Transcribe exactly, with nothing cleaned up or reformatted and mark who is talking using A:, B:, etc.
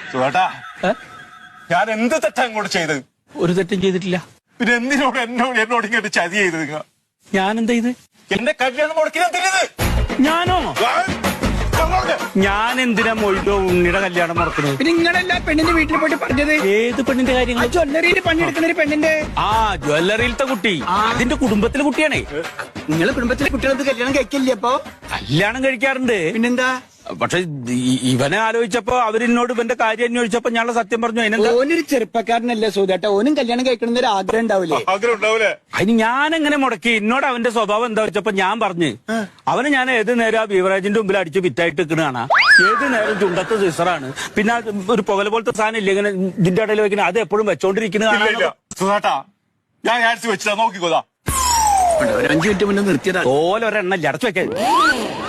A: സുഖേട്ടാ, ഞാൻ എന്ത് തെറ്റാ ഇങ്ങോട്ട് ചെയ്ത്?
B: ഒരു തെറ്റും ചെയ്തിട്ടില്ല.
A: പിന്നെ എന്തിനോട് എന്നോട് എന്നോട് ഇങ്ങോട്ട് ചതി ചെയ്ത് നിങ്ങൾ?
B: ഞാൻ എന്താ ഇത്?
A: എന്റെ കല്യാണം മുടക്കിയത്
B: ഞാനോ? ഞാൻ എന്തിനാ മൊയ്തോ ഉണ്ണിയുടെ കല്യാണം മുടക്കുന്നത്?
C: പിന്നെ നിങ്ങളല്ല പെണ്ണിന്റെ വീട്ടിൽ പോയിട്ട് പറഞ്ഞത്?
B: ഏത് പെണ്ണിന്റെ കാര്യങ്ങൾ?
C: ജ്വല്ലറിയിൽ പണിയെടുക്കുന്ന ഒരു പെണ്ണിന്റെ.
B: ആ ജ്വല്ലറിയിലത്തെ കുട്ടി, അതിന്റെ കുടുംബത്തിലെ കുട്ടിയാണേ.
C: നിങ്ങളെ കുടുംബത്തിലെ കുട്ടികൾക്ക് കല്യാണം കഴിക്കില്ലേ? അപ്പൊ
B: കല്യാണം കഴിക്കാറുണ്ട്.
C: പിന്നെന്താ?
B: പക്ഷെ ഇവനെ ആലോചിച്ചപ്പോ അവരിന്നോട് ഇവന്റെ കാര്യം അന്വേഷിച്ചപ്പോ ഞാനുള്ള സത്യം പറഞ്ഞു. അതിനെന്താ?
C: ഓനൊരു ചെറുപ്പക്കാരനല്ലേ സൂതേട്ടാ, ഓനും കല്യാണം കഴിക്കണം ഒരു ആഗ്രഹം ഉണ്ടാവില്ലേ?
A: ആഗ്രഹം ഉണ്ടാവൂലേ?
B: അതിന് ഞാൻ എങ്ങനെ മുടക്കി? എന്നോട് അവന്റെ സ്വഭാവം എന്താ വെച്ചപ്പോ ഞാൻ പറഞ്ഞു, അവന് ഞാൻ ഏത് നേരം ആ ബീവറേജിന്റെ മുമ്പിൽ അടിച്ച് വിറ്റായിട്ട് നിൽക്കണാണ്. ഏത് നേരം ചുണ്ടത്ത് സിസറാണ്. പിന്നെ ഒരു പുകല പോലത്തെ സാധനം ഇല്ല ഇങ്ങനെ ഇതിന്റെ ഇടയിൽ വെക്കുന്നത്, അത് എപ്പോഴും വെച്ചോണ്ടിരിക്കുന്നതാണ്.
A: സുഖേട്ടാ, ഞാൻ ആഴ്ച വെച്ചിട്ടാ നോക്കിക്കോതാ.
C: ഒരു അഞ്ചു മിനിറ്റ് മുന്നേ നിർത്തിയതാ.
B: ഓലൊരെണ്ണ അടച്ചു വെക്കാൻ.